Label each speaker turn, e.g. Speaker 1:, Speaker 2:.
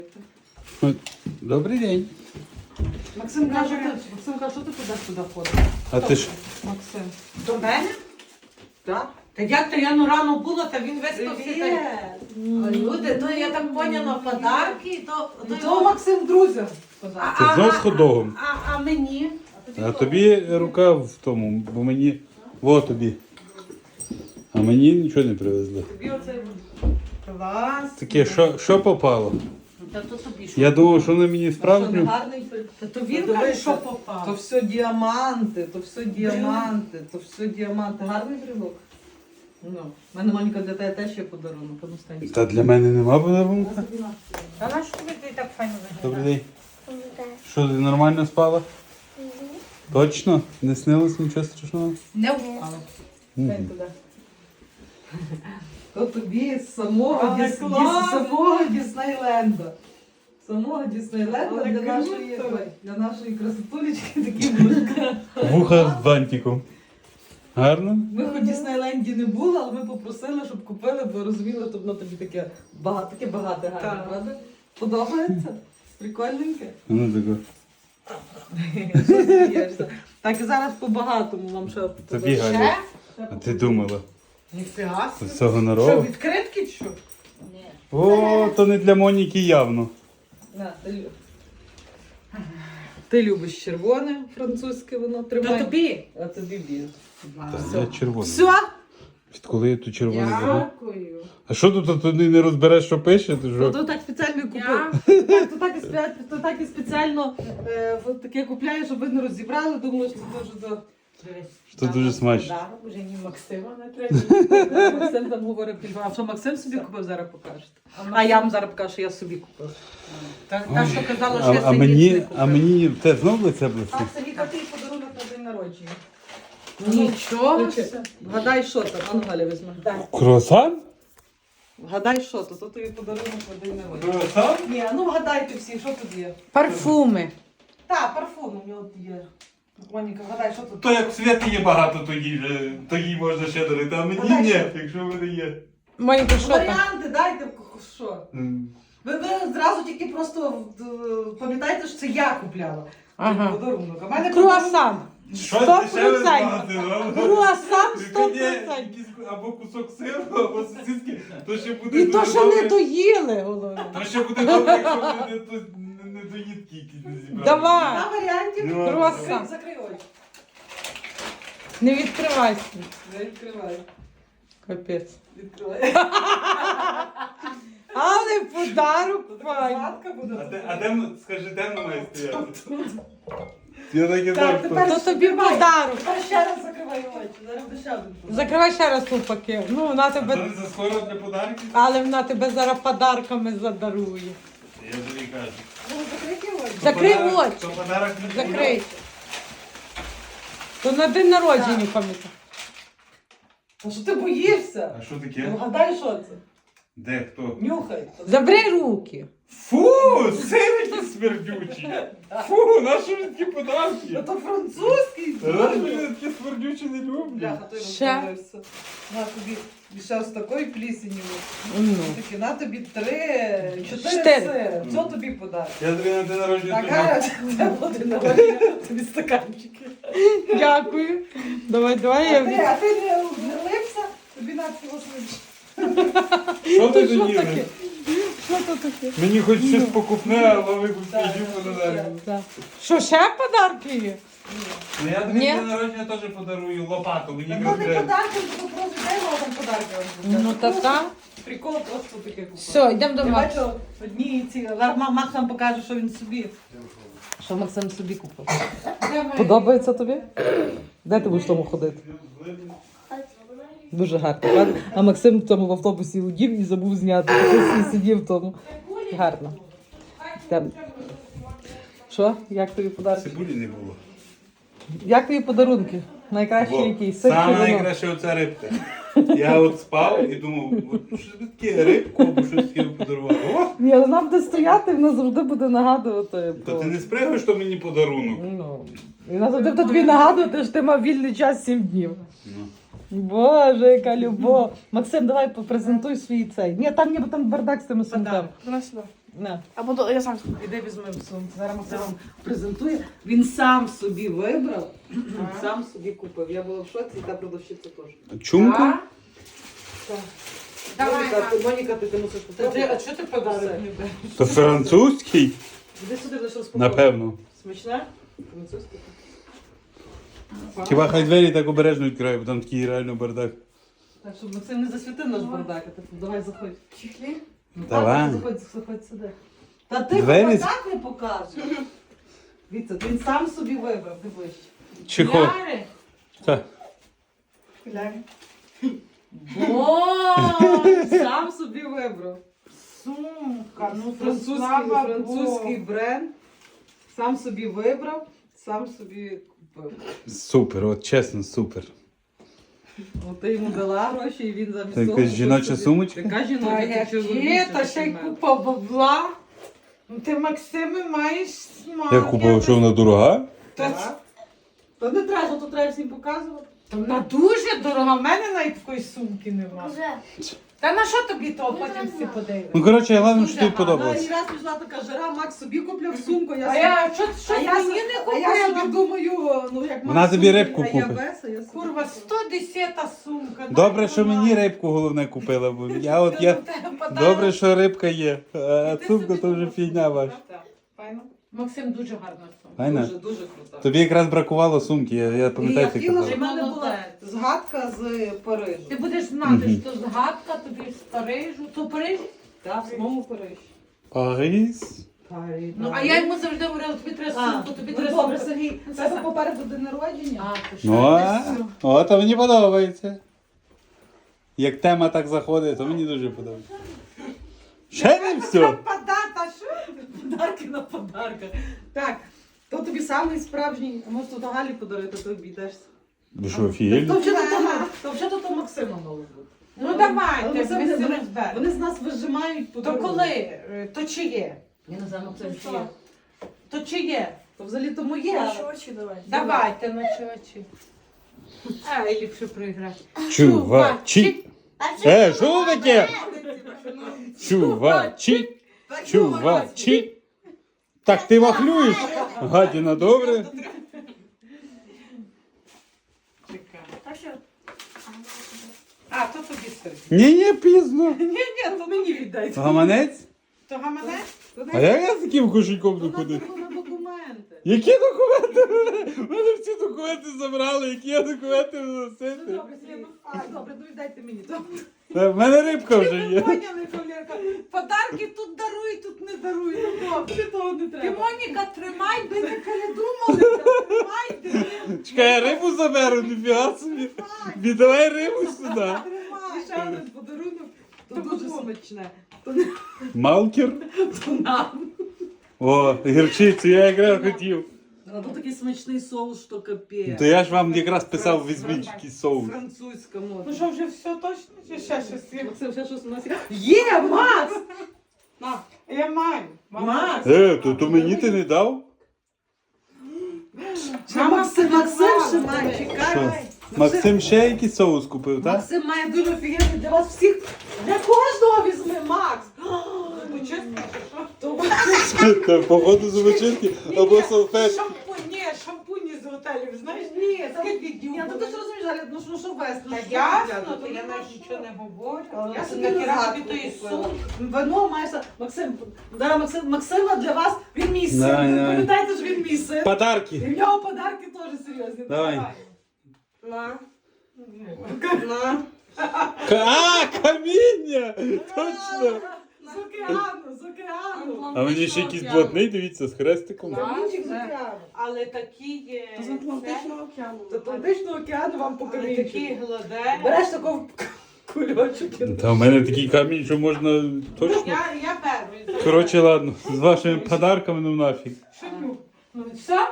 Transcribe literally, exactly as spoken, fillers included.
Speaker 1: Добрий день.
Speaker 2: Максим каже, ти, Максим каже, що ти туди сюди ходиш?
Speaker 1: А ти ж
Speaker 2: Максим. До мене?
Speaker 3: Так?
Speaker 2: Та як то я ну рано була, та він виспався.
Speaker 3: Привіт.
Speaker 2: Та... Люди, то я так поняла подарки, то...
Speaker 3: Ну,
Speaker 2: то
Speaker 3: то
Speaker 2: його-
Speaker 3: Максим друзям.
Speaker 2: А,
Speaker 1: Це
Speaker 2: а,
Speaker 1: знов
Speaker 2: а,
Speaker 1: з хот-догом.
Speaker 2: А, а мені?
Speaker 1: А тобі рука в тому, бо мені. Во тобі. А мені нічого не привезли.
Speaker 3: Тобі оцей клас.
Speaker 1: Таке, що, що попало?
Speaker 2: Та то тобі що?
Speaker 1: Я думав, що воно мені
Speaker 3: Що не
Speaker 1: справжню.
Speaker 3: гарний?
Speaker 2: Та то він
Speaker 3: Та
Speaker 2: каже,
Speaker 3: дивися,
Speaker 2: що
Speaker 3: То
Speaker 2: попав.
Speaker 3: все діаманти, то все діаманти, то все діаманти. Гарний брелок. Ну, в мене Моніка для тебе теж є подарунок. А ну, стань.
Speaker 1: Та для мене нема подарунка.
Speaker 2: Та на що тобі ти так файно
Speaker 1: Добрий
Speaker 2: виглядаєш?
Speaker 1: день. Що, ти нормально спала? Точно? Не снилось нічого страшного?
Speaker 2: Не впало.
Speaker 3: Стань туди. То тобі з самого,
Speaker 2: Але
Speaker 3: Діс...
Speaker 2: клас!
Speaker 3: Діс- самого Діснейленда. Самого Діснейленда
Speaker 2: Але
Speaker 3: для
Speaker 2: круто!
Speaker 3: нашої, для нашої красотулечки такі вушка.
Speaker 1: Вуха з бантиком. Гарно?
Speaker 3: Ми хоч в Діснейленді не були, але ми попросили, щоб купили, бо розуміли, що воно тобі таке багато, таке багате гарне,
Speaker 2: Так.
Speaker 3: правда? Подобається? Прикольненьке?
Speaker 1: Ну тако.
Speaker 3: Що смієшся? Так і зараз по-багатому вам ще
Speaker 1: Тобі
Speaker 3: подарую.
Speaker 1: Галя.
Speaker 2: Ще?
Speaker 1: А ти думала?
Speaker 2: Ніфіга
Speaker 1: З
Speaker 2: собі.
Speaker 1: цього
Speaker 3: Що,
Speaker 1: народу?
Speaker 3: відкритки чи що?
Speaker 2: Ні.
Speaker 1: О, то не для Моніки явно.
Speaker 3: На, ти, лю- ти любиш червоне французьке воно,
Speaker 2: Та
Speaker 3: тримай.
Speaker 2: тобі.
Speaker 3: А тобі біле.
Speaker 1: Та я червоний.
Speaker 3: Все?
Speaker 1: Відколи я тут червоний забув?
Speaker 2: Дякую.
Speaker 1: А що тут, а ти не розбереш, що пише? Ти
Speaker 3: Ну,
Speaker 1: що?
Speaker 3: то так спеціально купив.
Speaker 2: Я-
Speaker 3: Так, то так і спеціально, то так і спеціально е, от таке купляю, щоб ви не розібрали, думаю, що це дуже до...
Speaker 1: Що дуже смачно.
Speaker 2: Подарок, вже ні Максима не треба.
Speaker 3: Максим там говорить, а що Максим собі купив, зараз покажете. А
Speaker 2: Максим-
Speaker 3: я вам зараз покажу, що я собі купив.
Speaker 2: Та, та, що казала, що
Speaker 1: А,
Speaker 2: я
Speaker 1: а
Speaker 2: синій
Speaker 1: мені,
Speaker 2: не купила.
Speaker 1: а мені те знов лице блистить?
Speaker 3: А це Віка, твій подарунок на день народження.
Speaker 2: Нічого.
Speaker 3: Включи. Вгадай, що там. А ну, Галя, візьми.
Speaker 1: Круасан?
Speaker 3: Вгадай, що то. То тобі подарунок на день народження.
Speaker 1: Круасан?
Speaker 3: Ні, а ну вгадайте всі, що тут є.
Speaker 2: Парфуми.
Speaker 3: Так, парфум у нього є. Моніка, вгадай, що тут.
Speaker 1: То як в світі є багато, то їй, же- то їй можна ще дарити, а мені
Speaker 3: Вгадай,
Speaker 1: ні,
Speaker 3: що?
Speaker 1: якщо в мене є.
Speaker 2: Моніка, що там?
Speaker 3: Варіанти дайте, що.
Speaker 1: М.
Speaker 3: Ви, ви зразу тільки просто е, пам'ятаєте, що це я купляла.
Speaker 2: Ага.
Speaker 3: Подарунок. А в мене
Speaker 2: Круасан.
Speaker 1: Щось
Speaker 2: Сто
Speaker 1: дешеве з
Speaker 2: процентів.
Speaker 1: магазину.
Speaker 2: Круасан
Speaker 1: Тільки
Speaker 2: сто
Speaker 1: ні,
Speaker 2: процентів.
Speaker 1: якийсь або кусок сиру, або сосиски, то ще буде
Speaker 2: І
Speaker 1: дуже
Speaker 2: то, що
Speaker 1: добре.
Speaker 2: не доїли, головне.
Speaker 1: То ще буде добре, якщо вони не, то- не, не доїдки якісь не зібрали.
Speaker 2: Давай.
Speaker 3: На варіантів.
Speaker 1: Ну,
Speaker 2: Круасан.
Speaker 3: Закрий очі.
Speaker 2: Не відкривайся.
Speaker 3: Не відкривай.
Speaker 2: Капець.
Speaker 3: Відкривай.
Speaker 2: Але подарок файний.
Speaker 3: Згадка буде.
Speaker 1: А де, а де, м- скажи, де вона має стояти? Я так і
Speaker 3: Так,
Speaker 1: знав,
Speaker 3: тепер-
Speaker 1: хто.
Speaker 2: То тобі подарок.
Speaker 3: Тепер ще раз закривай очі. Зараз буде ще один подарунок.
Speaker 2: Закривай ще раз ту пакет. Ну, вона
Speaker 1: А то
Speaker 2: тебе,
Speaker 1: не заскоро для подарків?
Speaker 2: але вона тебе зараз подарками задарує.
Speaker 1: Я тобі кажу.
Speaker 3: Ну, закрийте очі.
Speaker 2: Закрий
Speaker 1: Подарок-
Speaker 2: очі.
Speaker 1: То подарок не
Speaker 2: Закрий. То на день народження пам'ятай.
Speaker 3: А що ти боїшся?
Speaker 1: А що
Speaker 3: Ну,
Speaker 1: таке?
Speaker 3: вгадай, що це?
Speaker 1: Де, хто?
Speaker 3: Нюхай.
Speaker 2: Забери руки.
Speaker 1: Фу, сирики смердючі. Фу, наші ж такі
Speaker 3: Ну,
Speaker 1: подарки.
Speaker 3: то французький.
Speaker 1: Наші ж такі смердючі не люблю.
Speaker 3: Бляха, той
Speaker 2: Ще?
Speaker 3: розбавився. На тобі ще з такої плісені.
Speaker 2: Ну.
Speaker 3: Такі, на тобі три, чотири
Speaker 2: Чотири.
Speaker 3: сири. Що тобі подарок?
Speaker 1: Я тобі на день народження
Speaker 3: Така,
Speaker 1: тобі-
Speaker 3: це буде народження, тобі стаканчики.
Speaker 2: Дякую. Давай, давай.
Speaker 3: А ти,
Speaker 2: Я...
Speaker 3: а ти не, не лився, тобі на цього свічі.
Speaker 1: Що ти
Speaker 2: Що
Speaker 1: доїли?
Speaker 2: таке? Що то таке?
Speaker 1: Мені хоч щось покупне, але ви
Speaker 3: Так,
Speaker 1: купіть подарунок.
Speaker 2: Так. Що, ще подарки є?
Speaker 1: Ну я тобі
Speaker 2: Ні.
Speaker 1: на день народження теж подарую лопату. Мені
Speaker 3: Ну, не
Speaker 1: якраз треба.
Speaker 3: подарки, то просто дай вам там подарки. вам буде.
Speaker 2: Ну, та та.
Speaker 3: Прикол просто таке купив.
Speaker 2: Все, йдемо до
Speaker 3: Я
Speaker 2: Макса.
Speaker 3: бачу одні ці, зараз Ма- Макс вам покаже, що він собі. Що Максим собі купив. Подобається тобі? Де ти будеш в тому ходити? Дуже гарно, правда? А Максим в тому в автобусі удів і забув зняти. Такий сидів в тому. Гарно. Там. Що? Як тобі подарунки?
Speaker 1: Цибулі не було.
Speaker 3: Як тобі подарунки? Найкращі
Speaker 1: Во.
Speaker 3: які? Сир чи
Speaker 1: Саме
Speaker 3: вино?
Speaker 1: найкраще оця рибка. Я от спав і думав, от що таке рибку або щось таке подарувати. О!
Speaker 3: Ні, вона буде стояти, вона завжди буде нагадувати.
Speaker 1: Та
Speaker 3: про-
Speaker 1: ти не спрягуєш, що мені подарунок.
Speaker 3: Ну, і вона завжди буде тобі нагадувати, що ти мав вільний час сім днів.
Speaker 1: Ну.
Speaker 3: Боже, яка любов. Максим, давай попрезентуй свій цей. Ні, там ніби там бардак з тими сумками.
Speaker 2: Принеси сюди.
Speaker 3: На.
Speaker 4: Або до- я сам.
Speaker 3: Іди візьми в сумку. Зараз Максим вам презентує. Він сам собі вибрав, сам собі купив. Я була в шоці, і та продавщиця теж.
Speaker 1: Чумку?
Speaker 3: Так.
Speaker 2: Давай,
Speaker 3: Моніка,
Speaker 2: мам.
Speaker 3: ти, Моніка, ти, ти мусиш
Speaker 2: Та ти, а
Speaker 3: попробувати.
Speaker 2: що ти подарок не береш?
Speaker 1: То французький?
Speaker 3: Іди сюди, будеш розпаковувати.
Speaker 1: Напевно.
Speaker 3: Смачне? Французьке.
Speaker 1: Хіба хай двері так обережно відкриває, бо там такий реально бардак.
Speaker 3: Так, щоб Максим не засвітив наш бардак, а ти давай заходь.
Speaker 2: Чехлі?
Speaker 3: Ну,
Speaker 1: Давай.
Speaker 3: так, Заходь, заходь сюди. Та ти
Speaker 1: Двері з-
Speaker 3: так не покажеш. Віця, він сам собі вибрав, дивись.
Speaker 1: Чехол.
Speaker 2: Яри?
Speaker 1: Так.
Speaker 2: Боже,
Speaker 3: Сам собі вибрав.
Speaker 2: сумка, ну то
Speaker 3: Французький,
Speaker 2: слава
Speaker 3: французький
Speaker 2: Богу.
Speaker 3: бренд. Сам собі вибрав, сам собі купив.
Speaker 1: Супер, от чесно, супер.
Speaker 3: От ти йому дала гроші, і він замість
Speaker 1: Це
Speaker 3: того.
Speaker 1: якась жіноча
Speaker 3: собі-
Speaker 1: сумочка?
Speaker 3: Така
Speaker 2: Та
Speaker 3: жіноча, ти чого
Speaker 2: яке, та ще й
Speaker 3: більше,
Speaker 2: купа бабла. Ну ти, Максиме, маєш смак.
Speaker 1: Я купив, що вона дорога?
Speaker 2: Та,
Speaker 3: Так. Та не треба, то треба всім показувати.
Speaker 2: та вона дуже дорога, в мене навіть такої сумки немає.
Speaker 4: Вже.
Speaker 2: Та на що тобі того,
Speaker 4: Ну,
Speaker 2: потім всі
Speaker 4: знаю.
Speaker 2: подивимося.
Speaker 1: Ну, коротше, головне, що
Speaker 2: Дуже
Speaker 1: тобі
Speaker 2: гарно.
Speaker 3: Вона
Speaker 1: подобалось.
Speaker 3: і раз пішла така жара, Макс собі купляв сумку, я
Speaker 2: А
Speaker 3: собі-
Speaker 2: я, що, що
Speaker 3: а я,
Speaker 2: мені
Speaker 3: собі-
Speaker 2: не
Speaker 3: а я собі
Speaker 2: купила?
Speaker 3: думаю, ну як
Speaker 1: Вона
Speaker 3: Макс
Speaker 1: тобі
Speaker 3: сумку,
Speaker 1: рибку
Speaker 3: а я
Speaker 1: купить.
Speaker 3: без, а я собі
Speaker 2: Курва,
Speaker 3: купила.
Speaker 2: сто десята сумка.
Speaker 1: Добре,
Speaker 2: дай
Speaker 1: що
Speaker 2: вона.
Speaker 1: мені рибку головне купила, бо я от я.
Speaker 2: Та, та, подарок.
Speaker 1: Добре, що рибка є, а
Speaker 2: Ти
Speaker 1: сумка
Speaker 2: собі
Speaker 1: то вже
Speaker 2: купив
Speaker 1: фігня
Speaker 2: сумку,
Speaker 1: ваша.
Speaker 3: Так, файно.
Speaker 2: Максим дуже гарна сумка.
Speaker 1: Файна?
Speaker 3: Дуже, дуже круто.
Speaker 1: Тобі якраз бракувало сумки, я, я
Speaker 3: І
Speaker 1: пам'ятаю,
Speaker 3: я
Speaker 1: ти
Speaker 3: хотіла,
Speaker 1: казав.
Speaker 3: щоб в мене була
Speaker 2: Молодець.
Speaker 3: згадка з Парижу.
Speaker 2: Ти будеш знати,
Speaker 1: Мгм.
Speaker 2: що згадка тобі з Парижу. То Париж?
Speaker 3: Так, в самому Парижі.
Speaker 1: Паріс?
Speaker 3: Париж.
Speaker 2: Ну, а я йому завжди говорила, тобі треба
Speaker 3: А,
Speaker 2: сумку, тобі
Speaker 3: ну,
Speaker 2: треба
Speaker 3: добре,
Speaker 2: сумку.
Speaker 3: Сергій, це тебе попереду день народження.
Speaker 2: А, то що?
Speaker 1: Ну, а?
Speaker 2: Ти що?
Speaker 1: О, то мені подобається. Як тема так заходить, то мені дуже подобається. Ще не все.
Speaker 2: Подата, що?
Speaker 3: Подарки на подарках. Так, то тобі самий справжній, а може то Галі подарити, то обійдешся.
Speaker 1: Ви що, філь?
Speaker 3: То вже то, то, вже то Максима мало бути.
Speaker 2: Ну
Speaker 3: Але
Speaker 2: давайте,
Speaker 3: Максим,
Speaker 2: ми всі
Speaker 3: вони,
Speaker 2: розберемо.
Speaker 3: вони з нас вижимають
Speaker 2: То
Speaker 3: подарунки.
Speaker 2: коли? Е, То чи є?
Speaker 3: Я не знаю, Максим,
Speaker 2: То
Speaker 3: чи є.
Speaker 2: що? То чи є?
Speaker 3: То взагалі то моє. але-
Speaker 4: очі давай.
Speaker 2: Давайте на чочі. А, і ліпше проіграти.
Speaker 1: Чувачі. Е, що таке? Чувачі. Чувачі. Так ти вахлюєш? Гадіна, добре?
Speaker 2: Чекай.
Speaker 4: Так що?
Speaker 2: А, то тобі Сергій.
Speaker 1: Ні-ні, пізно.
Speaker 3: Ні, ні, то мені віддайте.
Speaker 1: Гаманець?
Speaker 2: То гаманець?
Speaker 1: А як я з таким кошельком
Speaker 3: То
Speaker 1: не ходив?
Speaker 3: на документи.
Speaker 1: Які документи? У мене всі документи забрали, які я документи
Speaker 3: Ну,
Speaker 1: носити?
Speaker 3: добре, Сергій, ну, а, добре, ну віддайте мені. то.
Speaker 1: Та в мене рибка вже
Speaker 2: Ви
Speaker 1: є.
Speaker 2: поняли, Колірка? Подарки тут даруй, тут не даруй. Ну добре.
Speaker 3: Тобі того не
Speaker 2: Ти,
Speaker 3: треба.
Speaker 2: Моніка, тримай, ви не передумали. Тримайте.
Speaker 1: Чекай, я рибу заберу, ніфіга собі. Віддавай рибу сюди.
Speaker 3: І
Speaker 2: Тримай.
Speaker 3: ще один подарунок, то
Speaker 2: То
Speaker 3: дуже
Speaker 2: кому?
Speaker 3: смачне. То не
Speaker 1: Малкер?
Speaker 3: то нам.
Speaker 1: О, гірчицю, я якраз хотів.
Speaker 3: А тут такий смачний соус, що капець.
Speaker 1: То я ж вам якраз писав, візьміть якийсь соус.
Speaker 3: Французька мода.
Speaker 2: Ну що, вже все точно? Чи ще щось є?
Speaker 3: Максим, ще щось у нас є. Є, Макс! На.
Speaker 2: Я маю.
Speaker 3: Макс!
Speaker 1: Е, то, то мені ти не дав?
Speaker 3: Ще Максим, Максим ще
Speaker 2: Мама,
Speaker 3: має,
Speaker 1: Що?
Speaker 3: чекай.
Speaker 1: Максим ще якийсь соус купив, так?
Speaker 3: Максим має дуже офігенний для вас всіх. Для кожного візьми, Макс!
Speaker 2: Ну, чесно,
Speaker 3: То
Speaker 1: Та походу зубочистки або салфет.
Speaker 2: Шампунь, ні, шампуні з готелів, знаєш?
Speaker 3: ні, там-
Speaker 2: Скільки днів
Speaker 3: Ні, ну
Speaker 2: було?
Speaker 3: ти ж розумієш, Галя, ну що, ну що вести? ну
Speaker 2: Та
Speaker 3: що
Speaker 2: ясно,
Speaker 3: взяти?
Speaker 2: то я
Speaker 3: Ну,
Speaker 2: навіть
Speaker 3: що?
Speaker 2: нічого не говорю.
Speaker 3: Але
Speaker 2: Я
Speaker 3: це
Speaker 2: собі
Speaker 3: не
Speaker 2: нахіра
Speaker 3: згадку
Speaker 2: тобі тої
Speaker 3: купила.
Speaker 2: сумки.
Speaker 3: Вино маєш, Максим, да, Максим, Максима для вас, він мій син.
Speaker 1: Давай, давай.
Speaker 3: Пам'ятайте, що він мій син. І
Speaker 1: Подарки.
Speaker 3: в нього подарки теж серйозні.
Speaker 1: Давай.
Speaker 3: На. На.
Speaker 1: К- А, каміння! Точно!
Speaker 3: З океану, з океану.
Speaker 1: А мені ще якийсь блатний, дивіться, з хрестиком.
Speaker 3: Камінчик з
Speaker 2: це.
Speaker 3: океану.
Speaker 2: Але такі є.
Speaker 4: З Атлантичного океану.
Speaker 3: З Атлантичного океану вам по
Speaker 2: Але такі
Speaker 3: камінчику.
Speaker 2: гладе.
Speaker 3: Береш такого кульочок. і-
Speaker 1: Та в мене такий камінь, що можна точно.
Speaker 2: Я, я беру.
Speaker 1: Коротше, ладно, з вашими подарками ну нафіг.
Speaker 2: Що? Ну, все?